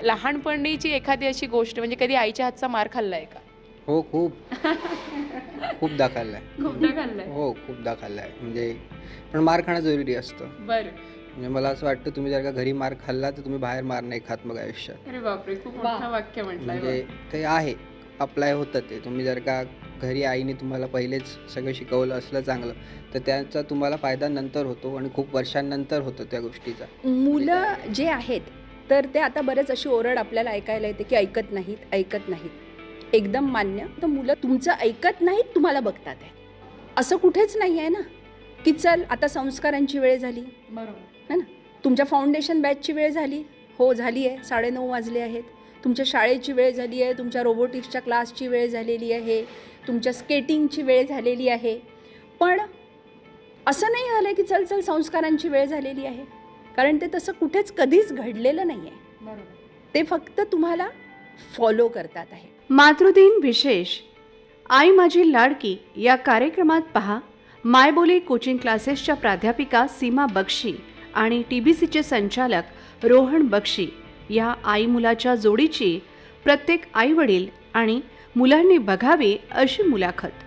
लहानपणीची एखादी अशी गोष्ट म्हणजे कधी आईच्या हातचा मार खाल्लाय का? हो, खूप खूपदा खाल्लाय. खूपदा खाल्लाय. हो, खूपदा खाल्लाय. म्हणजे पण मार खाणं जरुरी असतं. बरं. म्हणजे मला असं वाटतं तुम्ही जर का घरी मार खाल्ला तर तुम्ही बाहेर मार नाही खात मग आयुष्यात. अरे बापरे, खूप मोठं वाक्य म्हटलंय. म्हणजे ते आहे, अप्लाय होतं ते. तुम्ही जर का घरी आईने तुम्हाला पहिलेच सगळं शिकवलं असलं चांगलं, तर त्याचा तुम्हाला फायदा नंतर होतो आणि खूप वर्षांनंतर होतो त्या गोष्टीचा. मुलं जे आहेत तर ते आता बरेच अशी ओरड आपल्याला ऐकायला येते की ऐकत नाहीत. एकदम मान्य. तर मुलं तुमचं ऐकत नाहीत, तुम्हाला बघतात आहे. असं कुठेच नाही आहे ना की चल आता संस्कारांची वेळ झाली, बरोबर. है ना. तुमच्या फाउंडेशन बॅचची वेळ झाली, हो झाली आहे, 9:30 वाजले आहेत. तुमच्या शाळेची वेळ झाली आहे, तुमच्या रोबोटिक्सच्या क्लासची वेळ झालेली आहे, तुमच्या स्केटिंगची वेळ झालेली आहे. पण असं नाही झालं की चल चल संस्कारांची वेळ झालेली आहे, कारण ते तसं कुठेच कधीच घडलेलं नाही आहे. बरोबर. ते फक्त तुम्हाला फॉलो करतात आहे. मातृदिन विशेष आई माझी लाडकी या कार्यक्रमात पहा मायबोली कोचिंग क्लासेसच्या प्राध्यापिका सीमा बक्षी आणि TBCचे संचालक रोहन बक्षी या आई मुलाच्या जोडीची प्रत्येक आईवडील आणि मुलांनी बघावी अशी मुलाखत.